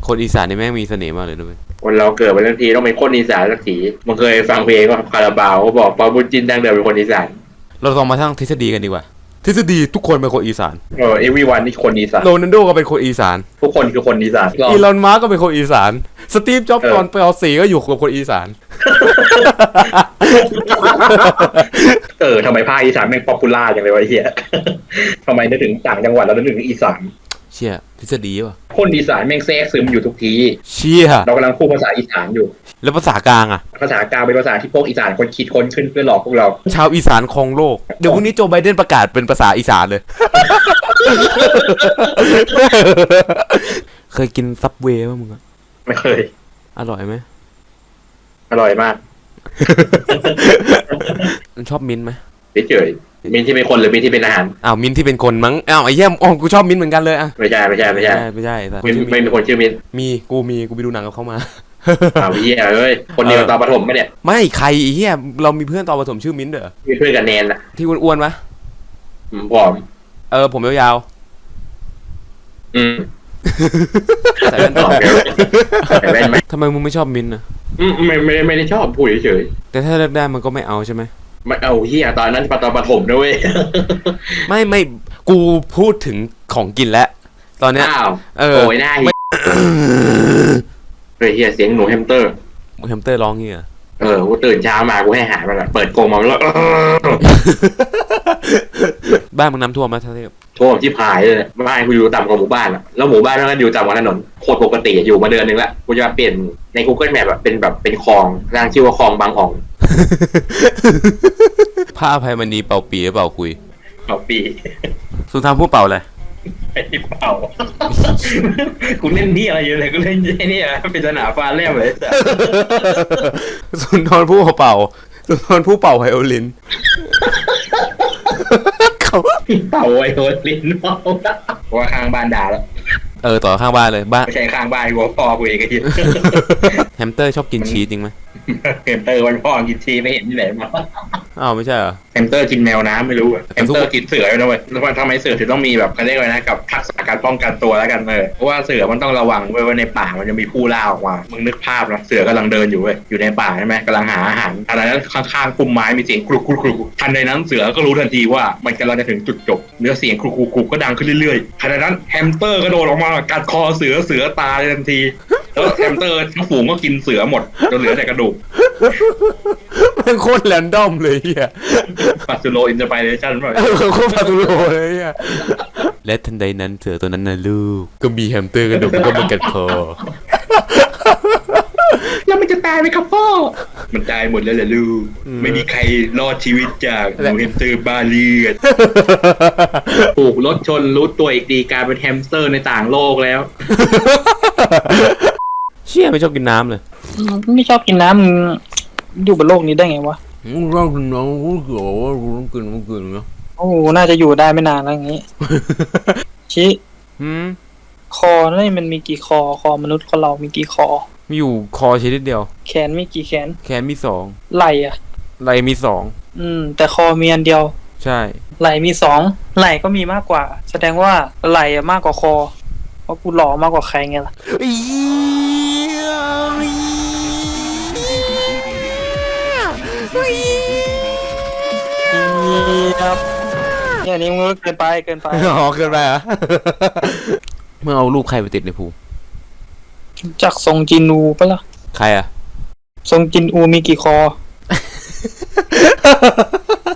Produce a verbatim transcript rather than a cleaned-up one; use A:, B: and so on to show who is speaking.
A: คนอีสานนี่แม่งมีเสน่ห์มากเลยด้วย
B: คนเราเกิดมาทั้งทีต้องเป็นคนอีสานสักทีมึงเคยฟังเพลงว่าคาราบาวเขาบอกปาบุญจินดังเดิมเป็นคนอีสาน
A: เราลองมาทั้งทฤษฎีกันดีกว่าทฤษฎีทุกคนเป็นคนอีสาน
B: เออเอวีวันนี่คนอีสาน
A: โรนัลโดก็เป็นคนอีสาน
B: ทุกคนคือคนอีสาน
A: อีลอนมัสก์ก็เป็นคนอีสานสตีฟจ็อบส์ตอนไปเอาสีก็อยู่กับคนอีสาน
B: เออทำไมภาคอีสานแม่งป๊อปปูล่าอย่างเลยวะเฮียทำไมนึกถึงต่างจังหวัดแล้วนึกถึงอีสาน
A: เชี่ยทฤษฎีป่ะ
B: คนอีสานแม่งแทรกซึมอยู่ทุกที
A: เชี่ย
B: เรากำลังพูดภาษาอีสานอยู่
A: แล้วภาษากลางอะ
B: ภาษากลางเป็นภาษาที่พวกอีสานคนคิดค้นขึ้นเพื่อหลอกพวกเรา
A: ชาวอีสานครองโลกเดี๋ยวพรุ่งนี้โจไบเดนประกาศเป็นภาษาอีสานเลยเคยกินซับเวย์ป่ะมึงอะ
B: ไม่เคย
A: อร่อยไหม
B: อร่อยมาก
A: มันชอบมิ้นไหม
B: เฉยๆมิ้นที่เป็นคนหรือมิ้นที่เป็นอาหาร
A: อ้าวมิ้นที่เป็นคนมั้งอ้าวไอ้เหี้ยอ๋อกูชอบมิ้นเหมือนกันเลยอะ
B: ไม่ใช่ไม่ใช่ไม่ใช่
A: ไม่ใช่
B: มิ้นไม่มีคนชื่อมิ้น
A: มีกูมีกูไปดูหนังกับเขามา
B: อ้าวเหี้ยเอ้ยคนเดียวตอนประถมปะเนี่ย
A: ไม่ใครไอ้เหี้ยเรามีเพื่อนตอนประถมชื่อมิ้นเด้อ
B: มีเพื่อนกับแนนอะ
A: ที่อ้วนๆปะ
B: ผอม
A: เออผมยาว
B: ๆอืม
A: ใส่แว่นต่อ
B: ใส่แว่นไหม
A: ทำไมมึงไม่ชอบมิ้นอะ
B: อืมไม่ไม่ไม่ได้ชอบพูดเฉย
A: ๆแต่ถ้าเลือกได้มันก็ไม่เอาใช่ไหม
B: ไม่เอาเฮียตอนนั้นตอนประถมนะเว้ย
A: ไม่ไม่กูพูดถึงของกินแล้วตอนเนี้ย
B: เออโอยหน้าเฮียเฮียเสียงหนูแฮมสเตอร์
A: แฮมสเตอร์ร้องเงี้ย
B: เออกูตื่นเช้ามากูให้หามันเปิดกรงมาแล้ว
A: บ้านมึงน้ำท่วมไหมท่าเทพ
B: ท่วมที่พายเลยบ้านกูอยู่ต่ำกว่าหมู่บ้านอะแล้วหมู่บ้านนั้นอยู่ต่ำกว่าถนนโคตรปกติอยู่มาเดือนนึงแล้วกูจะเปลี่ยนใน Google Map แบบเป็นแบบเป็นคลองร่างชื่อว่าคลองบางอ่อง
A: ผ้าอภัยมณีเป่าปีหรือเป่าคุย
B: เป่าปี
A: สุนทรภู่เป่าอะไร
B: ไอ้เป่ากูเล่นนี่อะไรอยู่เลยกูเล่นนี่อะเป็นสนามฟ้าแลบเลย
A: สุนทรภู่เป่าสุนทรภู่เป่าไวโอลิน
B: เขาเป่าไวโอลินเป่าว่าข้างบ้านด่าแล้ว
A: เออต่อข้างบ้านเลยบ้าน
B: ไม่ใช่ข้างบ้านกูพ่อกูเองไอ้ที่
A: แฮมสเตอร์ชอบกินชีสจริงไหม
B: แฮมสเตอร์วันพ่อกินชีสไม่เห็นที่ไหนมา
A: อ้าวไม่ใช่เหรอ
B: แฮมสเตอร์กินแมวน้ำไม่รู้อะแฮมสเตอร์กินเสือนะเว้ยแล้วทำไมเสือถึงต้องมีแบบเขาเรียกว่านะกับทักษะการป้องกันตัวแล้วกันเลยเพราะว่าเสือมันต้องระวังไว้ว่าในป่ามันจะมีผู้ล่าออกมามึงนึกภาพนะเสือกำลังเดินอยู่เว้ยอยู่ในป่าใช่ไหมกำลังหาอาหารทันใดนั้นข้างๆพุ่มไม้มีเสียงกรุกกรุกกรุกทันใดนั้นเสือก็รู้ทันทีว่ามันกำลังจะถึงจุดจบเนื้อเสียงกรุกกรุกกรุกก็ดังขึ้นเรื่อยๆทันใดนั้นแฮมสเตอร์กระโดดออกมากัดคอเสือเสือตายทันทีแล้วแฮมสเตอร์ทั้งฝูงก็กินเสือหมดจนเหลือแต่กระดูก
A: มันโคตรแรนดอมเลยเฮีย
B: ปัสสุโลอินสไปเรชั่นป่ะ
A: โคตรปัสสุโลเลยเฮียและทันใดนั้นเสือตัวนั้นนะลูกก็มีแฮมสเตอร์กระดูกก็มากัดคอ
B: แล้วมันจะตายไหมครับพ่อมันตายหมดแล้วแหละลูกไม่มีใครรอดชีวิตจากหนูแฮมสเตอร์บาเลียดถูกรถชนรู้ตัวอีกดีกลายเป็นแฮมสเตอร์ในต่างโลกแล้ว
A: เชี่ยไม่ชอบกินน้ำเลย
C: ไม่ชอบกินน้ำมึงอยู่บนโลกนี้ได้ไงวะ
A: มึงชอบกินน้ำกูเขียวว่ากูต้องกินมึงกินเนาะ
C: โอ้น่าจะอยู่ได้ไม่นานแล้วอย่างงี้ชิ
A: หืม
C: คอนี่มันมีกี่คอคอมนุษย์คนเรามีกี่คอ
A: มีอยู่คอชิ้นเดียว
C: แขนมีกี่แขน
A: แขนมีสอง
C: ไหล่อะ
A: ไหล่มีสอง
C: อืมแต่คอมีอันเดียว
A: ใช่
C: ไหล่มีสองไหล่ก็มีมากกว่าแสดงว่าไหล่มากกว่าคอเพราะกูหล่อมากกว่าใครไงล่ะครับเนี่ยนี่มึงเกินไปเกินไป
A: อ๋อเกินไปอ่ะเมื่อเอารูปใครไปติดในภู
C: จากทรงจินอูปะล่ะ
A: ใครอ่ะ
C: ทรงจินอูมีกี่คอ